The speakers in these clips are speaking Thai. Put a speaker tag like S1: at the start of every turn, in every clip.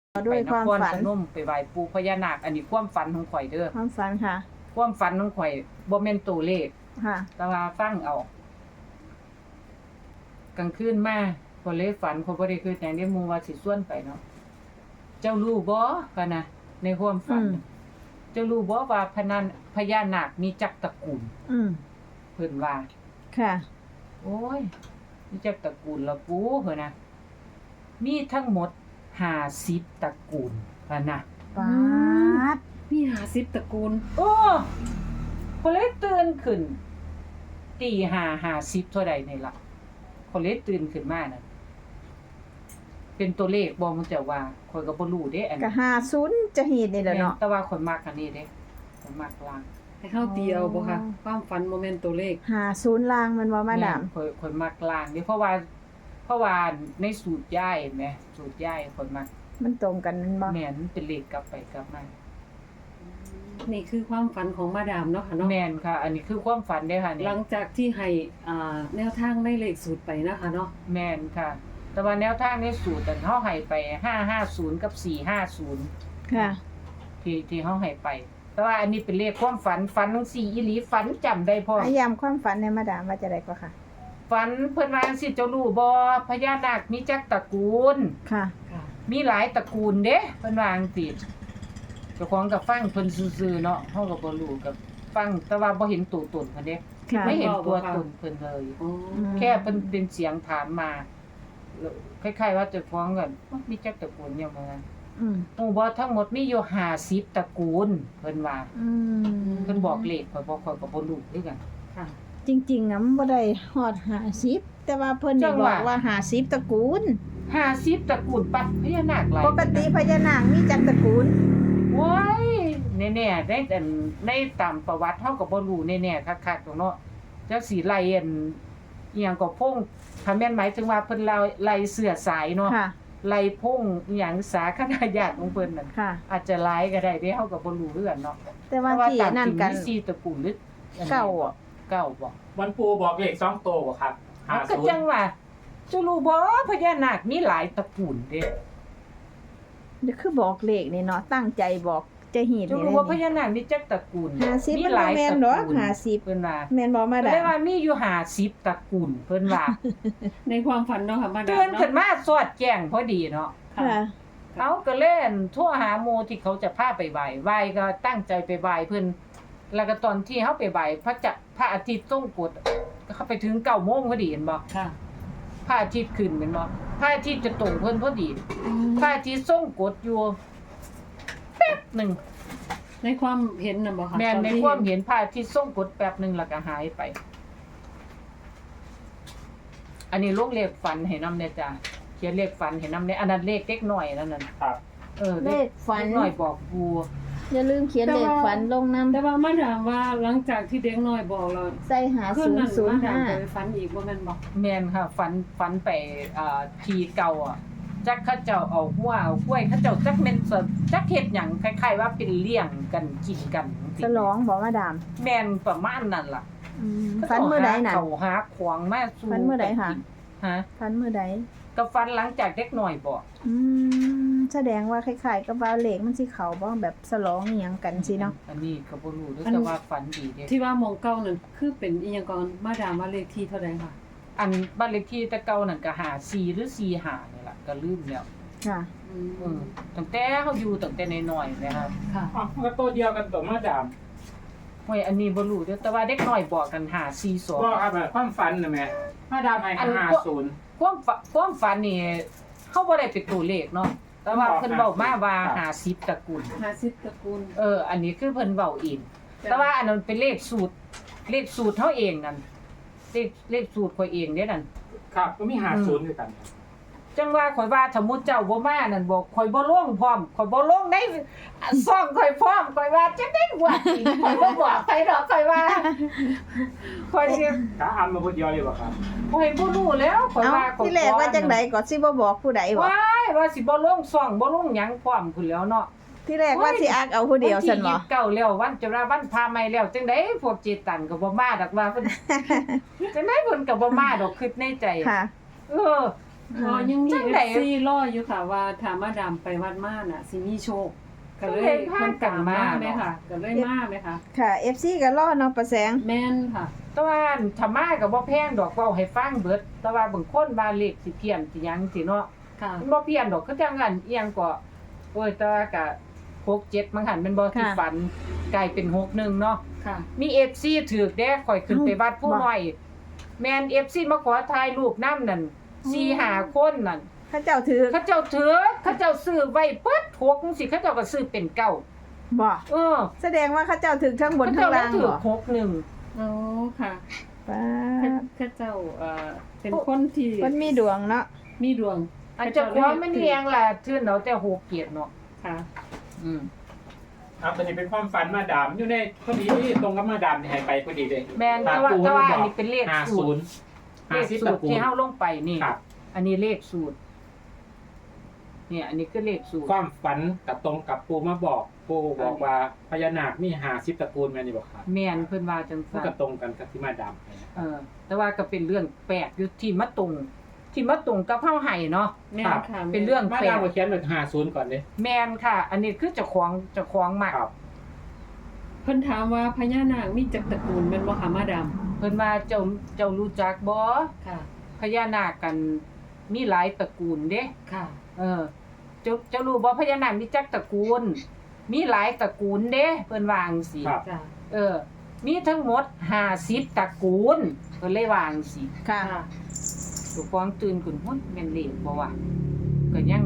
S1: ด้วยความฝัน
S2: ไปนครพนมไปไหว้ปู่พญานาคอันนี้ความฝันของข่อยเด้อ
S1: ความฝันค่ะ
S2: ความฝันของข่อยบ่แม่นตัวเลข
S1: ค่ะ
S2: แต่ว่าฟังเอากลางคืนมาข่อยเลยฝันข่อยบ่ได้คิดหยังได้หมู่ว่าสิชวนไปเนาะเจ้ารู้บ่ก็นะในความฝัน เจ้ารู้บ่ว่าพญานาคมีจักตระกูล
S1: อืม
S2: เพิ่นว่า
S1: ค่ะ
S2: โอ้ยมีจักตระกูลละปูเพิ่นน่ะมีทั้งหมด50ตระกูลว่านะ
S1: ปาด
S3: มี50ตระกูล
S2: โอ้ข่อยเลยตื่นขึ้นตี5 50เท่าใดนี่ล่ะข่อยเลยตื่นขึ้นมาน่ะเป็นตัวเลขบ่มันจะว่าข่อยก็บ่รู้เด้อัน
S1: ก็50จะเฮ็ดนี่แหละเนาะ
S2: แต่ว่าข่อยมักอันนี้เด้ข่อยมักลาง
S3: ให้เฮาตีเอาบ่คะความฝันบ่แม่นตัวเลข
S1: 50ล่างมันว่ามาดาม
S2: แข่อยมักลางเด้เพราะว่าในสูตรย่ายเห็นไหมสูตรย่ายข่อยมัก
S1: มันตรงกันแมันบ่
S2: แม่นเป็นเลขกลับไปกลับมา
S3: นี่คือความฝันของมาดามเนาะค่ะเนาะ
S2: แม่นค่ะ อันนี้คือความฝันเด้อค่ะนี่
S3: หลังจากที่ให้แนวทางในเลขสูตรไปนะคะเนาะ
S2: แม่นค่ะ แต่ว่าแนวทางในสูตรอันเฮาให้ไป550กับ450
S1: ค่ะ
S2: ที่เฮาให้ไป แต่ว่าอันนี้เป็นเลขความฝันจังซี่อีหลีฝันจำได้พร้อม
S1: พยายามความฝันในมาดามว่าจะได้ก็ค่ะ
S2: ฝันเพิ่นว่าจังซี่เจ้ารู้บ่พญานาคมีจักตระกูล
S1: ค่ะ
S3: ค่ะ
S2: มีหลายตระกูลเด้เพิ่นว่าจังซี่เจ้าของก็ฟังเพิ่นซื่อๆเนาะเฮาก็บ่รู้ก็ฟังแต่ว่าบ่เห็นตัวตนเพิ่นเด้
S1: ค่ะ
S2: ไม่เห็นตัวตนเพิ่นเลย
S3: อ๋อ
S2: แค่เป็นเสียงถามมาแล้วคล้ายๆว่าเจะฟ้าของกันมีจักตระกูลเนี่ยมา
S1: อืม
S2: หมู่บ่ทั้งหมดมีอยู่50ตระกูลเพิ่นว่า
S1: อืม
S2: เพิ่นบอกเลขข่อยก็บ่รู้คือกัน
S3: ค่ะ
S1: จริงๆนะมันบ่ได้ฮอด50แต่ว่าเพิ่น
S2: จั
S1: ได้
S2: ง
S1: บ
S2: ห
S1: อ
S2: วะ
S1: กว่า50ตระกูล
S2: 50ตระกูลปัดพญานาคหลาย
S1: ปกติพญานาคมีจักตระกูล
S2: โอ้ยแน่ๆได้แต่ในตามประวัติเฮาก็บ่รู้แน่ๆคักๆตรงเนาะจักสิไล่อันอีหยังก็พงถ้าแม่นหมายถึงว่าเพิ่นไล่เสื้อสายเนาะ
S1: ค่ะ
S2: ไล่พงอีหยังสาคณะญาติของเพิ่นนั่น
S1: ค่ะ
S2: อาจจะหลายก็ได้เด้เฮาก็บ่รู้เรื่องเนาะ
S1: แต่ว่าที่
S2: ตาม
S1: นั่
S2: จ
S1: น
S2: ริง
S1: กัน
S2: มี4ตระกูลหรืออันนี้
S1: เก้าอ่ะ
S2: เก้าบ่
S4: วันปูบอกเลข2ตัวบ่ครับ
S2: เอาก็จังว่าจะรู้บ่พญานาคมีหลายตระกูลเด้
S1: เดี๋ยวคือบอกเลขนี่เนาะตั้งใจบอกจะเฮ็ด
S2: จะ
S1: นี่
S2: รู้ว่าพญานาคมีจักตระกูล
S1: 50
S2: มี
S1: มัน
S2: ห
S1: บ่
S2: ลาย
S1: แม่
S2: ต
S1: น
S2: ระ
S1: ดอก
S2: กูล
S1: 50
S2: เพิ่นว่า
S1: แม่นบ่มา
S2: ก็
S1: ดา
S2: ได้
S1: ม
S2: ว่ามีอยู่50ตระกูลเพิ่นว่า
S3: ในความฝันเนาะค่ะมาดาม
S2: ตื่น
S3: เนาะ
S2: ขึ้นมาสอดแจ้งพอดีเนาะ
S3: ค่ะ
S1: ค่ะ
S2: เขาก็เล่นโทั่วหาหมู่ที่เขาจะพาไปไหว้ก็ตั้งใจไปไหว้เพิ่นแล้วก็ตอนที่เฮาไปไหว้พระอาทิตย์ทรงกฎเขาไปถึง9:00 นพอดีเห็นบ่
S3: ค่ะ
S2: พระอาทิตย์ขึ้นแม่นบ่พระอาทิตย์จะตรงเพิ่นพอดีพระอาทิตย์ทรงกฎอยู่แป๊บหนึง
S3: ในความเห็นน่ะบ่คะ
S2: แม่น
S3: ตอ
S2: ใน
S3: ที่
S2: ความเห็นพระอาทิตย์ทรงกฎแป๊บหนึงแล้วก็หายไป อันนี้ลงเลขฝันให้นำแน่จ้ะเขียนเลขฝันให้นำในอันนั้นเลขเด็กน้อยนั่นน่ะ
S4: ครับ
S1: เลขฝัน
S2: เด็กน้อยบอกกู
S1: อย่าลืมเขียนเลขฝันลงน้ำ
S3: แต่ว่ามาดามว่าหลังจากที่เด็กน้อยบอกเรา
S1: ใส่หา
S3: คืนนั้นมาดามไป
S1: 005
S3: ฝันอีกบ่แม่นบ่
S2: แม่นค่ะฝันไปทีเก่าอ่ะจักเขาเจ้าเอาหัวเอากล้วยเขาเจ้าจักแม่นจักเฮ็ดหยังคล้ายๆว่าเป็นเลี้ยงกันกินกัน
S1: ฉลองบ่มาดาม
S2: แม่นประมาณนั้นล่ะ
S1: ฝันมื้อใดน่ะ
S2: เขาหาขวางมาสู่
S1: ฝันมื้อใดคะ
S2: ฮะ
S1: ฝันมื้อใด
S2: ก็ฝันหลังจากเด็กน้อยบอก
S1: แสดงว่าคล้ายๆกับว่าเลขมันสิเข้าบ่แบบฉลองอีหยังกันสิเนาะ
S2: อันนี้ก็บ่รู้เด้อแต่ว่าฝันดีเด้
S3: ที่ว่าหมองเก่านั่นคือเป็นอีหยังก่อนมาดามว่าเลขที่เท่าใดค่ะ
S2: อันบ้านเลขที่แต่เก่านั่นก็54หรือ45นี่ล่ะก็ลืมแล้ว
S1: ค่ะ
S2: ตั้งแต่เฮาอยู่ตั้งแต่น้อยๆนะครับ
S3: ค่ะ
S4: อ๋อมันก็ตัวเดียวกันตัวมาดาม
S2: โอ้ยอันนี้บ่รู้เด้อแต่ว่าเด็กน้อยบอกกัน542
S4: บอกครับแบบความฝันน่ะแม่มาดามให้50
S2: ความฝันนี่เฮาบ่ได้เป็นตัวเลขเนาะแต่ว่าเพิ่นเว้ามาว่า50ตระกูล
S3: 50ตระกูล
S2: อันนี้คือเพิ่นเว้าเองแต่ว่าอันนั้นเป็นเลขสูตรเฮาเองนั่นเลขสูตรข่อยเองเด้นั่น
S4: ครับก็มี50ด้วยกัน
S2: จังว่าข่อยว่าถ้ามุติเจ้าบ่มานั่นบอกข่อยบ่ลงพร้อมข่อยบ่ลงในซ่องข่อยพร้อมข่อยว่าจังได๋ว่าอีกข่อยบ่บอกใครดอกข่อยว่าข่อยสิ
S4: ถ้าอำมาคนเดียวเลยบ่ครับ
S2: ข่อยบ่รู้แล้วข่อย
S1: เอ้า
S2: ว่าข่อย
S1: ที่แรกว่าจังไดก็สิบ่บอกผู้ใดบ่
S2: ว้ายว่าสิบ่ลงซ่องบ่ลงหยังพร้อมพุ่นแล้วเนาะ
S1: ที่แรกว่าสิอักเอาผู้เดียวซั่นบ่
S2: วันที่29แล้ววันจะว่าวันพาใหม่แล้วจังได๋พวกเจตันก็บ่มาดอกว่าเพิ่น จังได๋เพิ่นก็บ่มาดอกคิดในใจ
S1: ค่ะ
S2: เออ
S3: ก็ยังมี
S2: จังใด
S3: FC รออยู่ค่ะว่าถ้ามาดามไปวัดมาน่ะสิมีโชคก็เลย
S2: จังใดพากันมา
S3: ไหมค่ะก็เลยมาไหมคะ
S1: ค่ะ FC ก็รอเนาะประแสง
S3: แม่นค่ะ
S2: แต่ว่าถ้ามาก็บ่แพงดอกเว้าให้ฟังเบิดแต่ว่าบางคนว่าเลขสิเพี้ยนสิหยังสิเนาะ
S3: ค่ะ
S2: มันบ่เพี้ยนดอกคือจังนั้นอีหยังก็โอ้ยแต่ว่าก็6 7มันหันเป็นบ่ที่ฝันกลายเป็น6 1เนาะ
S3: ค่ะ
S2: มี FC ถูกเด้ข่อยขึ้นไปวัดผู้น้อย แม่น FC มาขอถ่ายรูปนำนั่น4-5 คนนั่น
S1: พระเจ้าถือ
S2: เขาเจ้าถือเขาเจ้าซื้อไว้เปิด6จังซี่เขาเจ้าก็ซื้อเป็นเก้า
S1: บ่
S2: เออ
S1: แสดงว่าเขาเจ้าถือทั้งบน
S2: เขา
S1: ทั้
S2: เจ้าง ได้
S1: ล่าง
S2: ถือ
S1: บ่
S2: 6
S3: อ๋อค่ะ
S1: ป้า
S3: ข้าเจ้าเป็นคนที่
S1: มันมีดวงเนาะ
S3: มีดวง
S2: 1อันเจ้าของมันเลี้ยงล่ะทื่นเอาแต่6เกียรติเนาะ
S3: ค่ะ
S2: อืม
S4: ครับตอนนี้เป็นความฝันมาดามอยู่ในพอดีตรงกับมาดามที่ให้ไปพอดีเลย
S2: แม่นแต่ว่าอันนี้เป็นเลขสูตร
S4: 50
S2: เลข
S4: 50
S2: สู
S4: ตระ
S2: ตร
S4: กูล
S2: ที่เฮาลงไปนี่
S4: ครับ
S2: อันนี้เลขสูตร เนี่ย อันนี้คือเลขสูตร
S4: ความฝันกับตรงกับปูมาบอกปูบอกว่าพญานาคมี50ตระกูลแม่นนี่บ่ครับ
S2: แม่นเพิ่นว่าจัง
S4: มัน
S2: ซั่น
S4: ก็ตรงกันกับที่มาดามให้นะ
S2: แต่ว่าก็เป็นเรื่องแปลกอยู่ที่มาตรงกับเฮาให้เนาะ
S3: แม่นค่ะ
S2: เป็นเรื่อง
S4: มา
S2: แปล
S4: ดาม
S2: ก
S4: ก็เขียนเป็น50ก่อนเด้
S2: แม่นค่ะ อันนี้คือเจ้าของมาก
S4: ครับ
S3: เพิ่นถามว่าพญานาคมีจักตระกูลแม่นบ่คะมาดาม
S2: เพิ่นว่าเจ้ารู้จักบ่
S3: ค่ะ
S2: พญานาคกันมีหลายตระกูลเด้
S3: ค่ะ
S2: เจ้ารู้บ่พญานาคมีจักตระกูล มีหลายตระกูลเด้เพิ่นว่าจังซี่
S4: ครับ
S3: จ้ะ
S2: มีทั้งหมด50ตระกูลเพิ่นเลยว่าจังซี่
S1: ค่ะ
S3: ค่ะ
S2: ตัวฟองตื่นขึ้นหุ้นแม่นเลขบ่วะก็ยัง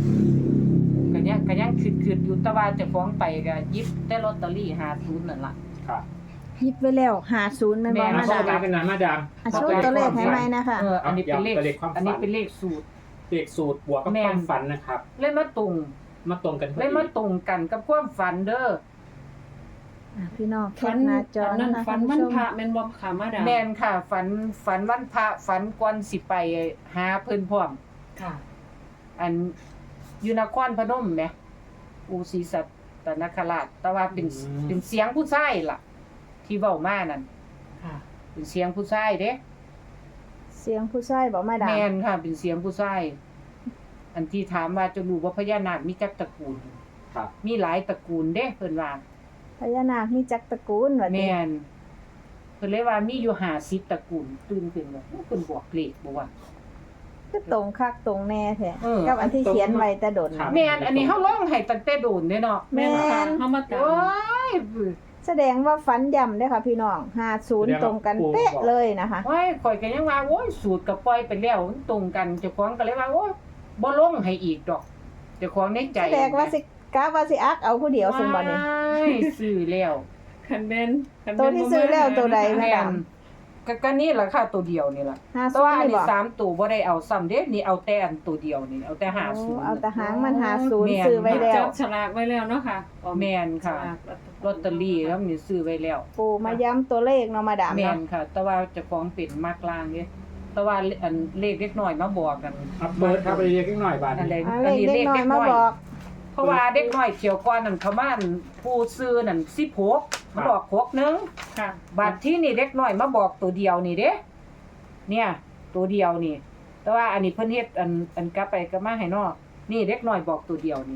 S2: คิดอยู่แต่ว่าเจ้าของไปก็หยิบแต่ลอตเตอรี่50นั่นล่ะ
S4: ครับ
S1: หยิบไว้แล้ว50แม่นบ่
S2: แม่
S1: มา
S4: มา
S1: ดา
S4: ดาม มเป็นมาดาม
S1: อ่ะโชว์ตัวเลขให้ไหมนะคะ
S2: อันนี้เป็นเลข
S4: เอาเลขความฝัน
S2: อันนี้เป็นเลขสูตร
S4: เลขสูตรบวกกับ
S2: แม่
S4: คน วามฝันนะครับ
S2: เลยมาตรง
S4: มาตรงกันพอ
S2: เลย
S4: ดี
S2: มาตรงกันกับความฝันเด้อ
S1: พี่น้องแค
S3: ฝั
S1: ป
S3: น
S1: หน้าจอ
S3: อันนั้น
S1: นะคะ
S3: ฝัน
S1: คุณ
S3: วัน
S1: ผู้ช
S3: พระ
S1: ม
S3: แม่นบ่ค่ะมาดาม
S2: แม่นค่ะ ฝันวันพระฝันก่อนสิไปหาเพิ่นพร้อม
S3: ค่ะ
S2: อันอยู่นครพนมแหมอูศรีสัตนคราชแต่ว่าเป็นเสียงผู้ชายล่ะ ที่เว้ามานั่น
S3: ค่ะ
S2: เป็นเสียงผู้ชายเด้
S1: เสียงผู้ชายบ่มาดาม
S2: แม่นค่ะเป็นเสียงผู้ชายอันที่ถามว่าจะรู้ว่าพญานาคมีจักตระกูล
S4: ครับ
S2: มีหลายตระกูลเด้เพิ่นว่า
S1: พญานาคมีจักตระกูลว่าติ
S2: แม่นเพิ่นเลยว่ามีอยู่50ตระกูลตื่นขึ้นว่าเพิ่นบอกเลขบ่ว่า
S1: ก็ตรงคักตรงแน่แท้
S2: เออ
S1: กับอันที่เขียนไว้แต่ดน
S4: ครับ
S2: แม่นอันนี้เฮาลงให้ตั้งแต่โดนเด้เนาะ
S1: แม่
S3: แม่นค่ะ
S1: น
S3: เฮามาตาม
S2: โอ้ย
S1: แสดงว่าฝันย่ำเด้อค่ะพี่น้อง50ตรงกันเป๊ะเลยนะคะ
S2: โอ้ยข่อยก็ยังว่าโอ้ยสูตรก็ปล่อยไปแล้วมันตรงกันเจ้าของก็เลยว่าโอ้ยบ่ลงให้อีกดอกเจ้าของในใจ
S1: แสดงว่าสิกะว่าสิอักเอาผู้เดียวซั่นบ่นี่
S2: ว้ายซื้อแล้ว
S3: คันแม่นคัน
S1: ตัวที่ซื้อแล้วตัวใด
S2: แม่นก็นี่ล่ะค่ะตัวเดียวนี่ล่ะแต่ว่า
S1: 50
S2: อัน
S1: นี่
S2: นี้
S1: บ่
S2: 3ตัวบ่ได้เอาซ้ำเด้นี่เอาแต่อันตัวเดียวนี่เอาแต่
S1: โอ้
S2: 50
S1: เอาแต่หางมัน
S2: แม่น
S1: 50ซื้อไว้แล้
S3: จั
S1: ว
S3: บฉลากไว้แล้วเนาะค่ะ
S2: แม่นค่ะ
S3: ฉลาก
S2: ลอตเตอรี่แล้วนี่ซื้อไว้แล้ว
S1: ปูมาย้ำตัวเลขเนาะมาดาม
S2: แม่
S1: เนาะ
S2: นค่ะ แต่ว่าเจ้าของเป็นมากลางเด้แต่ว่าอันเลขเล็กน้อยมาบอกกัน
S4: ครับเบิร์ดครับไปเรียกนิดหน่อยบาท
S2: อะไร
S1: เอาเลขเด็กน้อยมาบอก
S2: เพราะว่าเด็กน้อยเขียวก่อนนั่นเขามาอั่นผู้ซื้อนั่น16มันออก6นึง
S3: ค่ะ
S2: บัดที่นี่เด็กน้อยมาบอกตัวเดียวนี่เด้เนี่ย ตัวเดียวนี่ แต่ว่าอันนี้เพิ่นเฮ็ดอันกลับไปกลับมาให้นอกนี่เด็กน้อยบอกตัวเดียวนี่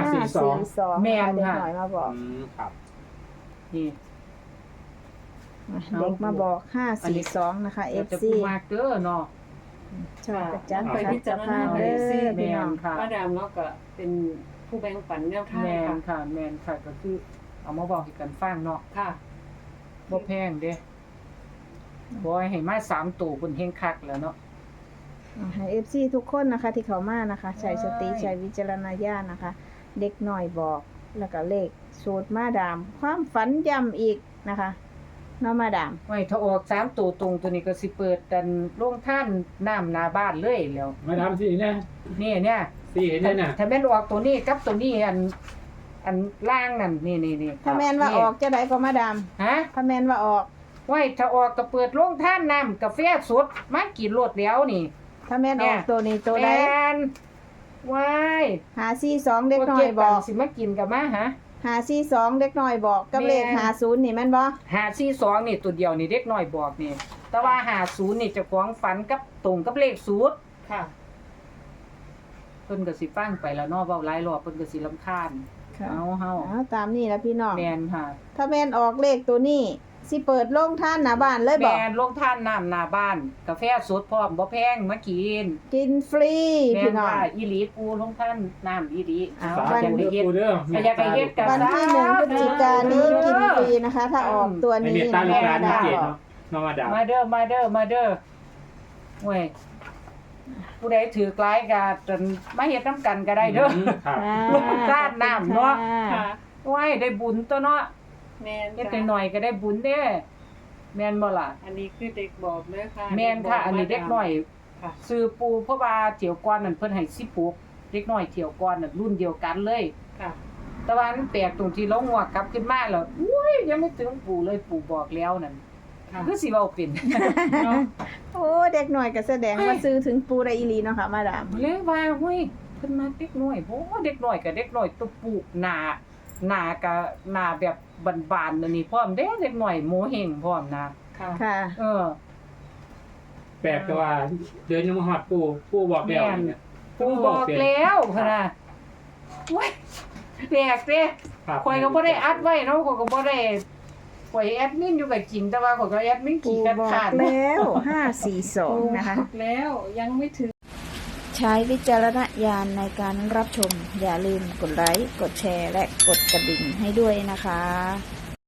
S1: 542
S2: แม่น
S1: เด็ก
S2: ค่ะ
S1: น้อยมาบอก
S4: ครับ
S2: นี่
S1: เด็กมาบอก542นะคะ
S2: เดี๋ยวจะ
S1: FC
S2: พูดมากเด้อเนาะ
S1: ชอบกระจัด
S3: ไป
S1: ไป
S3: พิ
S1: พิ
S3: จา
S1: จาร ร
S3: ณา
S1: ณา
S3: ไป
S1: เด้
S3: ซิ
S1: อพี่น้อง
S2: ค่ะ
S3: มาดามเนาะก็เป็นผู้แบ่งปันแนวทาง
S2: แม่น
S3: ค่ะ
S2: ค่ะแม่นค่ะก็คือเอามาบอกให้กันฟังเนาะ
S3: ค่ะ
S2: บ่แพงเด้บ่ให้มา3ตัวเพิ่นเฮงคักแล้วเนาะ
S1: ให้ FC ทุกคนนะคะที่เขามานะคะใช้สติใช้วิจารณญาณนะคะ เด็กน้อยบอกแล้วก็เลขสูตรมาดาม ความฝันย้ำอีกนะคะเนาะมาดาม
S2: ไว้ถ้าออก3ตัวตรงตัวนี้ก็สิเปิดกันโรงท่านน้ำหน้าบ้านเลยแล้ว
S4: มาทำสิเนี่ย
S2: นี่เนี่ย
S4: สิเห็นเนี่ยน่ะ
S2: ถ้าแม่นออกตัวนี้กับตัวนี้อันล่างนั่นนี่
S1: ถ้าแม่นว่าออกจะได้ก็มาดาม
S2: ฮะ
S1: ถ้าแม่นว่าออก
S2: ไว้ถ้าออกก็เปิดโรงท่านน้ำกาแฟสดมากินรวดแล้วนี่
S1: ถ้าแม่นออกตัวนี้ตัวใด
S2: แม่นว้าย
S1: 542เด็กน้อยบอก
S2: สิมากินกับมาฮะ
S1: 542เด็กน้อยบอกกับเลข
S2: แม่น
S1: 50นี่แม่นบ่
S2: 542นี่ตัวเดียวนี่เด็กน้อยบอกนี่ แต่ว่า50นี่เจ้าของฝันกับตรงกับเลขสูตร
S3: ค่ะ
S2: เพิ่นก็สิฟังไปแล้วเนาะเว้าหลายรอบเพิ่นก็สิรำคาญ
S1: ค่ะ
S2: เอาเฮา
S1: ตามนี้แล้วพี่น้อง
S2: แม่นค่ะ
S1: ถ้าแม่นออกเลขตัวนี้สิเปิดโรงทานหน้าบ้านเลยบอก
S2: แม่นลงท่านน้ำหน้าบ้าน กาแฟสดพร้อมบ่แพงมากิน
S1: กินฟรี
S2: แม่
S1: พี่
S2: น
S1: น้อง
S2: ว่าอีหลีปูลงท่านน้ำอีหลี
S1: เอา
S4: สา
S2: อยาก
S4: ธุ
S2: ให้
S4: เด้อ
S2: เฮ็ด
S4: ปูเด้อ
S2: อยากให้เฮ็ดกัน
S1: วันที่1พฤศจิกายนนี้กินฟรีนะคะ ถ้าออกตัว
S4: ใน
S1: นี้
S4: เมตตาลูกหลาน
S1: ดา
S4: เก
S1: ว
S4: ต
S1: บอก
S4: เนาะน้องมาดาม
S2: มาเด้อมาเด้อเว้ยผู้ใดถือกลายก็จนมาเฮ็ดนํกันก็ได้เด้อ
S4: ครับ
S2: ลงทานน้ำเนาะ
S3: ค่ะ
S2: ไว้ได้บุญตัวเนาะ
S3: แม่น
S2: เฮ็ด
S3: ค่ะ
S2: หน่อยๆก็ได้บุญเด้แม่นบ่ล่ะ
S3: อันนี้คือเด็กบอกเด้อค่ะ
S2: แม่นค่ะ อันนี้เด็กน้อย
S3: ค่ะ
S2: ซื้อปูเพราะว่าเที่ยวก่อนนั่นเพิ่นให้16เด็กน้อยเที่ยวก่อนนั่นรุ่นเดียวกันเลย
S3: ค่ะ
S2: แต่ว่ามันแปลกตรงที่เราหัวกลับขึ้นมาแล้วอุ้ยยังไม่ถึงปู่เลยปู่บอกแล้วนั่น
S3: ค่ะ
S2: คือสิเว้าเป็น
S3: เนาะ
S1: โอ้เด็กหน่อยก็แสดงว่าซื้อถึงปูได้อีหลีเนาะค่ะมาดาม
S2: เลยว่าเฮ้ยเพิ่นมาเด็กน้อยโอ้เด็กน้อยกับเด็กน้อยตัวปู่หน้าก็หน้าแบบบานๆนั่นนี่พร้อมเด้เด็กน้อยโมเฮงพร้อมนะ
S3: ค่ะ
S1: ค่ะ
S2: เออ
S4: แปลกแต่ว่าเดินยังมาฮอดปูบอกแล้วเนี่ย
S2: ปู่บอกแล้วพุ่นน่ะโอ้ยแปลกเด้
S4: ครับ
S2: ข่อยก็บ่ได้อัดไว้เนาะข่อยก็บ่ได้ข่อยแอดมินอยู่กับจริงแต่ว่าข่อยก็แอดมิน
S1: ปู
S2: ขี้กัน
S1: บอก
S2: ขาด
S1: แล้ว542นะคะ
S3: แล้วยังไม่ถึง
S1: ใช้วิจารณญาณในการรับชม อย่าลืมกดไลค์ กดแชร์ และกดกระดิ่งให้ด้วยนะคะ